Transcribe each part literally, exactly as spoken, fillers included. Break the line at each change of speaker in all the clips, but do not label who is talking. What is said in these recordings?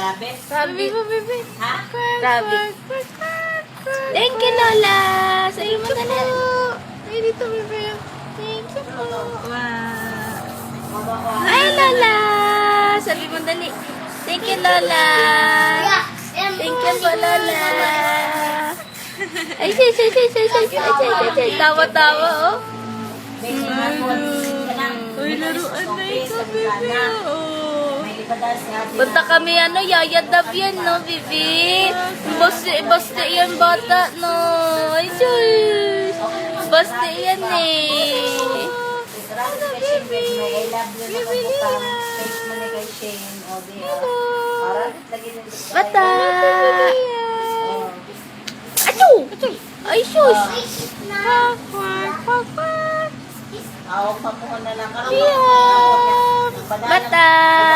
Rabbit?
Rabbit. Bibi,
Ha?
Rabbit. Thank you, Lola. Sabi mo na lang. Ay, dito, Bibi. Thank you po.
Wow.
Ay, Lola. Sabi mo dali. Thank you, Lola. Thank you po, Lola. Ay, say, say, say, say, say, say, say, say, say. Tawa-tawa, oh.
Base mo na po.
Uy, laruan na ito, Bibi. Oh.
May libadas nga din.
Punta kami, ano, yayadab yan, no, Bibi? Basta, basta yan, bata, no. Ay, sus. Basta yan, eh.
Ano, baby? I love you na kabutang. Face mo na kay Shane. O, di ba? Parang lagi ng
Bata.
Oh.
Achu! Ay, sus. Quack, quack, quack, quack.
Ako, pamuha na lang kami.
Yeah. Bata.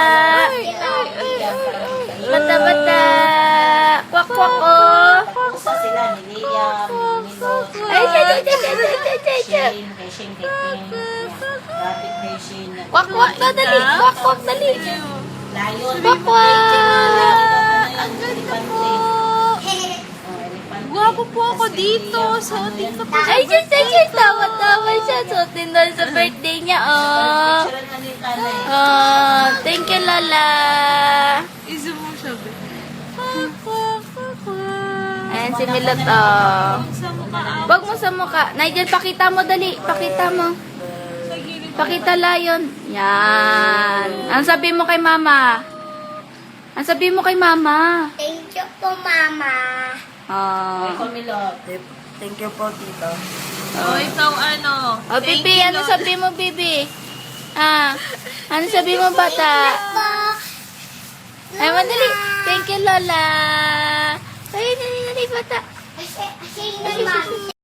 Bata, bata. Quack, quack, oh.
Isa sila ni Liam, ni Milo,
Ay, siya, siya, siya, siya, siya, siya, siya.
Shane, kay Shane, kay Ping, Rabbit kay Shane.
Quack, quack na, dali. Quack, quack, dali.
Lion.
Quack, quack.
Ang ganda po.
Gwapo po ako dito. Suotin ko po.
Ay, siya, siya, siya. Tawa-tawa siya. Suotin doon sa birthday niya, oh.
Picture na ni Tanay.
Oh, thank you, Lola.
Iso mo siya, be.
Ayan si Milot, oh.
Sa mukha.
Wag mo sa mukha. Nigel, pakita mo, dali. Pakita mo.
Sa gilid.
Pakita layon. Yan. Ang sabi mo kay mama? Ang sabi mo kay mama?
Thank you po, Mama.
Oh.
Ay, Kumilot.
Thank you po, tito.
Oh, ikaw ano?
Oh,
Thank
Bibi,
you,
ano
Lord.
sabi mo, Bibi? Ah, ano sabi mo, bata?
Po.
Ay, madali. Thank you, Lola. Ay, dali, dali, bata.
Kasi, kasi naman.